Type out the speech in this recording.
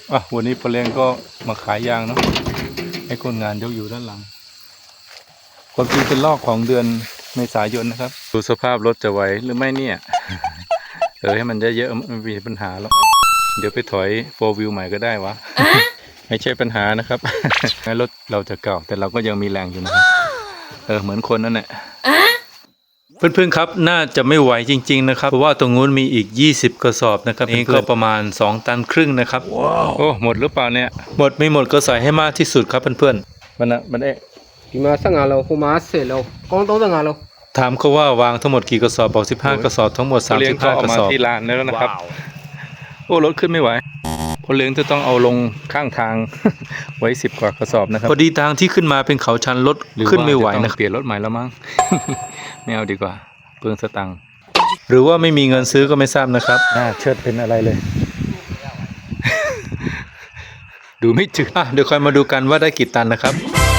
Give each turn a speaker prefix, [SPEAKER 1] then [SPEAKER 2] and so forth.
[SPEAKER 1] วันนี้พอเลี้ยงก็มาขายยางเนาะให้คนงานยกอยู่ด้านหลังความจริงเป็นลอกของเดือนเมษายนนะครับดูสภาพรถจะไหวหรือไม่เนี่ยให้มันเยอะๆมันมีปัญหาแล้วเดี๋ยวไปถอย4 wheel ใหม่ก็ได้วะ ไม่ใช่ปัญหานะครับ แม้รถเราจะเก่าแต่เราก็ยังมีแรงอยู่นะครับเหมือนคนนั่นแหละเพื่อนๆครับน่าจะไม่ไหวจริงๆนะครับเพราะว่าตรงนู้นมีอีก20กระสอบนะครับนี่ก็ประมาณ2 ตันครึ่งนะครับโอ้หมดหรือเปล่าเนี่ยหมดไม่หมดก็ใส่ให้มากที่สุดครับเพื่อนๆมัน
[SPEAKER 2] ဒီမှာ15โลဟိုမှာ10โลကောင်း35โล
[SPEAKER 1] ถามเขาว่าวางทั้งหมดกี่กระสอบบอก15กระสอบทั้งหมด35กระสอบที่ลานแล้วนะครับโอ้รถขึ้นไม่ไหวพอเลี้ยงจะต้องเอาลงข้างทาง ไว้10 กว่ากระสอบนะครับพอดีทางที่ขึ้นมาเป็นเขาชันรถขึ้นไม่ไหวนะเปลี่ยนรถใหม่แล้วมั้ง ไม่เอาดีกว่าเปลืองสตังค์หรือว่าไม่มีเงินซื้อก็ไม่ทราบนะครับเชิดเป็นอะไรเลย ดูไม่จืดเดี๋ยวคอยมาดูกันว่าได้กี่ตันนะครับ